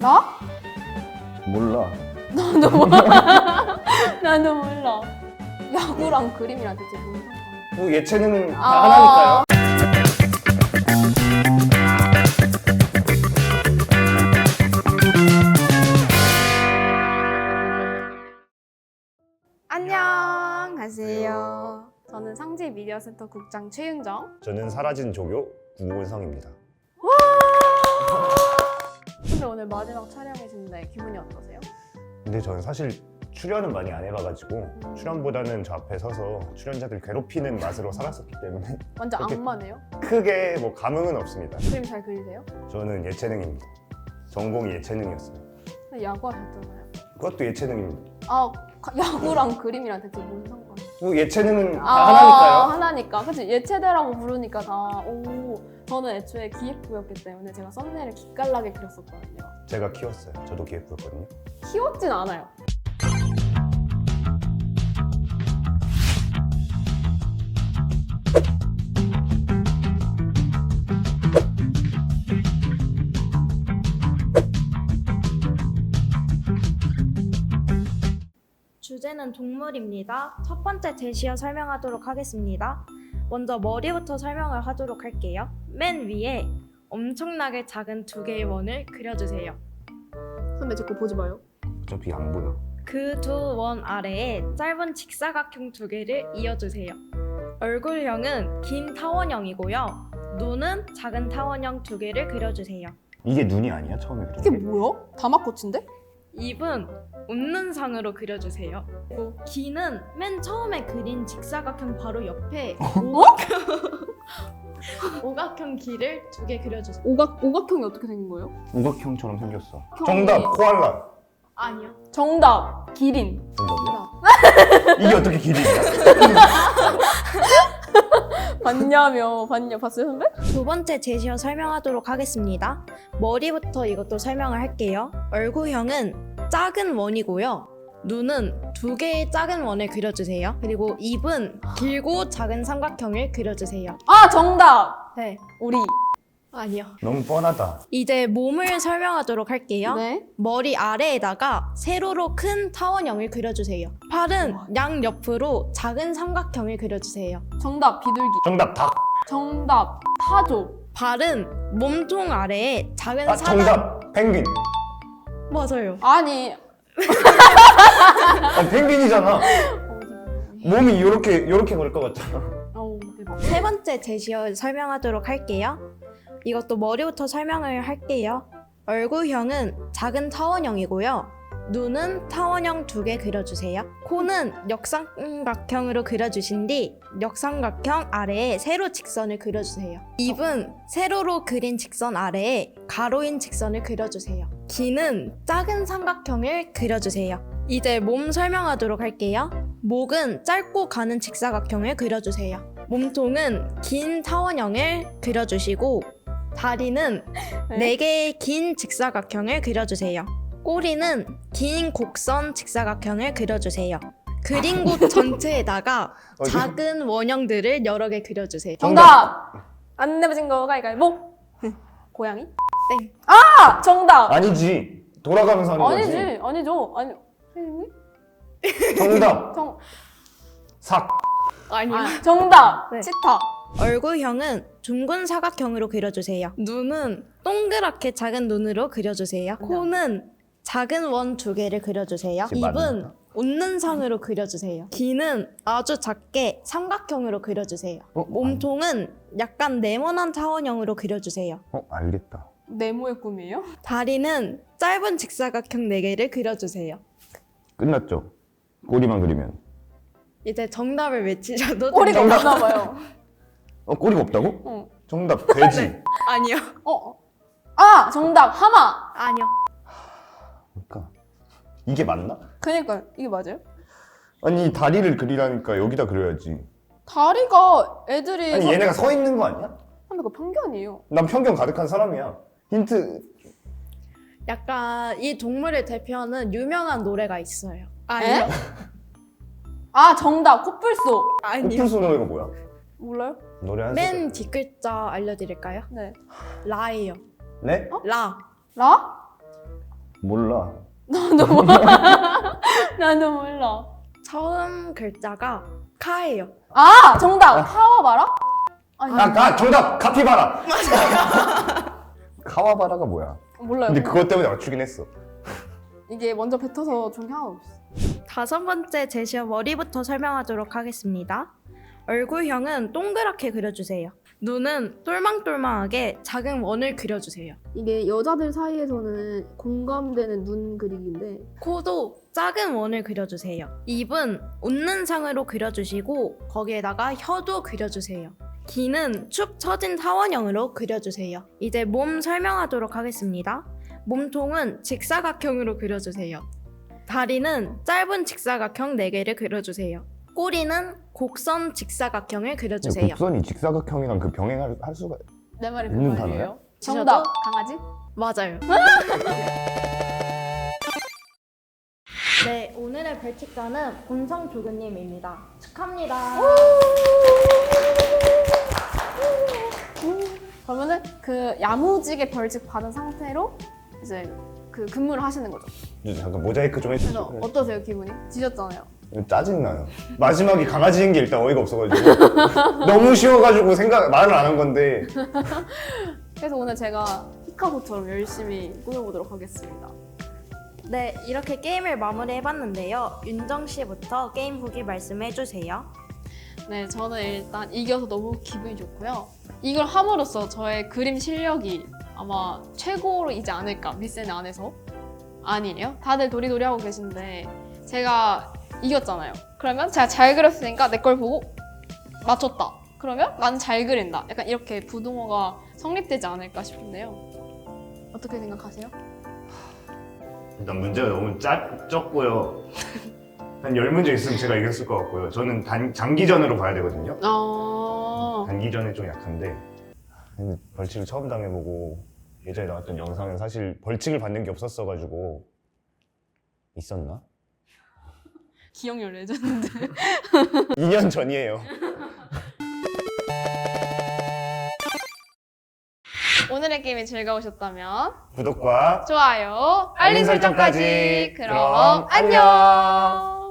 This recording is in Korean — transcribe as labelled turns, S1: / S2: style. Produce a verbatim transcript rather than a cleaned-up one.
S1: 나?
S2: 몰라.
S1: 나도 몰라. 나도 몰라. 야구랑 그림이랑 대체 무슨 상관이야?
S2: 뭐 예체능은 다
S1: 아.
S2: 하나니까요.
S1: 안녕하세요. 저는 상지 미디어센터 국장 최윤정.
S2: 저는 사라진 조교 구문성입니다.
S1: 근데 오늘 마지막 촬영이신데 기분이 어떠세요?
S2: 근데 저는 사실 출연은 많이 안 해봐가지고
S1: 음.
S2: 출연보다는 저 앞에 서서 출연자들 괴롭히는 맛으로 살았었기 때문에
S1: 완전
S2: 그렇게-
S1: 악마네요.
S2: 크게 뭐 감흥은 없습니다.
S1: 그림 잘 그리세요?
S2: 저는 예체능입니다. 전공이 예체능이었어요.
S1: 근데 야구하셨잖아요.
S2: 그것도 예체능입니다.
S1: 아, 가- 야구랑 그림이랑 대체 무슨 상관이야?
S2: 뭐 예체능은 다
S1: 아,
S2: 하나니까요.
S1: 하나니까. 그치? 예체대라고 부르니까 다. 오, 저는 애초에 기획부였기 때문에 제가 썸네일을 기깔나게 그렸었거든요.
S2: 제가 키웠어요. 저도 기획부였거든요.
S1: 키웠진 않아요.
S3: 주제는 동물입니다. 첫 번째 제시어 설명하도록 하겠습니다. 먼저 머리부터 설명을 하도록 할게요. 맨 위에 엄청나게 작은 두 개의 원을 그려주세요.
S1: 선배 제 거 보지 마요.
S2: 어차피 안 보여.
S3: 그 두 원 아래에 짧은 직사각형 두 개를 이어주세요. 얼굴형은 긴 타원형이고요. 눈은 작은 타원형 두 개를 그려주세요.
S2: 이게 눈이 아니야? 처음에 그린
S1: 이게
S2: 게?
S1: 뭐야? 다마코치인데?
S3: 입은 웃는 상으로 그려주세요. 그리고 귀는 맨 처음에 그린 직사각형 바로 옆에 오각형, 오각형 귀를 두 개 그려주세요.
S1: 오각, 오각형이 어떻게 생긴 거예요?
S2: 우각형처럼 생겼어.
S1: 형이-
S2: 정답 코알라.
S3: 아니요.
S1: 정답! 기린.
S2: 정답이야?
S1: 정답.
S2: 이게 어떻게 길이냐?
S1: 봤냐며, 봤냐, 봤어요, 선배?
S3: 두 번째 제시어 설명하도록 하겠습니다. 머리부터 이것도 설명을 할게요. 얼굴형은 작은 원이고요. 눈은 두 개의 작은 원을 그려주세요. 그리고 입은 길고 작은 삼각형을 그려주세요.
S1: 아, 정답!
S3: 네.
S1: 우리.
S3: 아니요.
S2: 너무 뻔하다.
S3: 이제 몸을 설명하도록 할게요.
S1: 네.
S3: 머리 아래에다가 세로로 큰 타원형을 그려주세요. 팔은 양옆으로 작은 삼각형을 그려주세요.
S1: 정답, 비둘기.
S2: 정답 닭.
S1: 정답, 타조.
S3: 발은 몸통 아래에 작은
S2: 아
S3: 사각.
S2: 정답 펭귄.
S3: 맞아요.
S1: 아니.
S2: 아 펭귄이잖아. 몸이 요렇게 요렇게 그럴 것 같잖아.
S1: 어우, 대박.
S3: 세 번째 제시어 설명하도록 할게요. 이것도 머리부터 설명을 할게요. 얼굴형은 작은 타원형이고요. 눈은 타원형 두 개 그려주세요. 코는 역삼각형으로 그려주신 뒤 역삼각형 아래에 세로 직선을 그려주세요. 입은 세로로 그린 직선 아래에 가로인 직선을 그려주세요. 귀는 작은 삼각형을 그려주세요. 이제 몸 설명하도록 할게요. 목은 짧고 가는 직사각형을 그려주세요. 몸통은 긴 타원형을 그려주시고 다리는
S1: 네.
S3: 네 개의 긴 직사각형을 그려주세요. 꼬리는 긴 곡선 직사각형을 그려주세요. 그린 곳 전체에다가
S2: 어디?
S3: 작은 원형들을 여러 개 그려주세요.
S1: 정답! 안 내버진 거 가위가위보. 고양이?
S3: 땡.
S1: 아! 정답!
S2: 아니지. 돌아가면서 하는 거지.
S1: 아니지. 아니죠. 아니. 선생님?
S2: 정답
S1: 정,
S2: 삭.
S3: 아니요.
S1: 아, 정답!
S3: 네.
S1: 치타.
S3: 얼굴형은 둥근 사각형으로 그려주세요. 눈은 동그랗게 작은 눈으로 그려주세요. 코는 작은 원 두 개를 그려주세요.
S2: 지금
S3: 입은
S2: 맞는다.
S3: 웃는 상으로 그려주세요. 귀는 아주 작게 삼각형으로 그려주세요.
S2: 어?
S3: 몸통은 약간 네모난 타원형으로 그려주세요.
S2: 어 알겠다.
S1: 네모의 꿈이에요?
S3: 다리는 짧은 직사각형 네 개를 그려주세요.
S2: 끝났죠. 꼬리만 그리면.
S3: 이제 정답을 외치셔도
S1: 꼬리가
S3: 됩니다.
S1: 없나 봐요.
S2: 어 꼬리가 없다고?
S1: 어.
S2: 정답 돼지.
S3: 아니요.
S1: 어. 아! 정답! 하마!
S3: 아니요.
S2: 그러니까 이게 맞나?
S1: 그니까요. 이게 맞아요?
S2: 아니 다리를 그리라니까 여기다 그려야지.
S1: 다리가 애들이.
S2: 아니 얘네가 서 있는 거 아니야?
S1: 선배, 그거 편견이에요.
S2: 난 편견 가득한 사람이야. 힌트.
S3: 약간 이 동물을 대표하는 유명한 노래가 있어요. 아니요.
S1: 아, 정답! 코뿔소!
S3: 아니요.
S2: 코뿔소 노래가 뭐야?
S1: 몰라요?
S2: 노래 한
S3: 맨
S2: 소절.
S3: 뒷글자 알려드릴까요?
S1: 네.
S3: 라예요.
S2: 네?
S3: 라.
S1: 라?
S2: 몰라.
S1: 나도 몰라. 나도 몰라.
S3: 처음 글자가 카예요.
S1: 아 정답 카와바라? 아니
S2: 아, 아 정답 카피바라. 카와바라가 뭐야?
S1: 몰라요.
S2: 근데 그것 때문에 맞추긴 했어.
S1: 이게 먼저 뱉어서 좋은 게 하나도 없어.
S3: 다섯 번째 제시어 머리부터 설명하도록 하겠습니다. 얼굴형은 동그랗게 그려주세요. 눈은 똘망똘망하게 작은 원을 그려주세요.
S1: 이게 여자들 사이에서는 공감되는 눈 그리기인데
S3: 코도 작은 원을 그려주세요. 입은 웃는 상으로 그려주시고 거기에다가 혀도 그려주세요. 귀는 축 처진 타원형으로 그려주세요. 이제 몸 설명하도록 하겠습니다. 몸통은 직사각형으로 그려주세요. 다리는 짧은 직사각형 네 개를 그려주세요. 꼬리는 곡선 직사각형을 그려주세요.
S2: 곡선이 직사각형이랑 그 병행할 할 수가
S1: 내 말이 그
S2: 있는
S1: 말이에요.
S2: 단어야?
S1: 정답 강아지?
S3: 맞아요. 네, 오늘의 벌칙자는 본성조교님입니다. 축하합니다.
S1: 그러면은 그 야무지게 벌칙 받은 상태로 이제 그 근무를 하시는 거죠.
S2: 잠깐 모자이크 좀
S1: 그래서
S2: 해주세요.
S1: 어떠세요 기분이? 지셨잖아요.
S2: 짜증나요. 마지막에 강아지인 게 일단 어이가 없어가지고 너무 쉬워가지고 생각 말을 안 한 건데.
S1: 그래서 오늘 제가 피카소처럼 열심히 꾸며보도록 하겠습니다.
S3: 네, 이렇게 게임을 마무리해봤는데요. 윤정 씨부터 게임 후기 말씀해주세요.
S1: 네, 저는 일단 이겨서 너무 기분이 좋고요. 이걸 함으로써 저의 그림 실력이 아마 최고이지 않을까, 미센 안에서. 아니에요? 다들 도리도리 하고 계신데 제가 이겼잖아요. 그러면 제가 잘 그렸으니까 내 걸 보고 맞췄다. 그러면 난 잘 그린다. 약간 이렇게 부동어가 성립되지 않을까 싶은데요. 어떻게 생각하세요?
S2: 일단 문제가 너무 짜, 적고요. 한 열 문제 있으면 제가 이겼을 것 같고요. 저는 단, 장기전으로 봐야 되거든요.
S1: 어...
S2: 단기전에 좀 약한데 근데 벌칙을 처음 당해보고 예전에 나왔던 영상은 사실 벌칙을 받는 게 없었어가지고 있었나?
S1: 기억력 레전드.
S2: 이 년 전이에요.
S1: 오늘의 게임이 즐거우셨다면
S2: 구독과
S1: 좋아요,
S2: 알림
S1: 알림 설정까지.
S2: 설정까지.
S1: 그럼
S2: 그럼
S1: 안녕.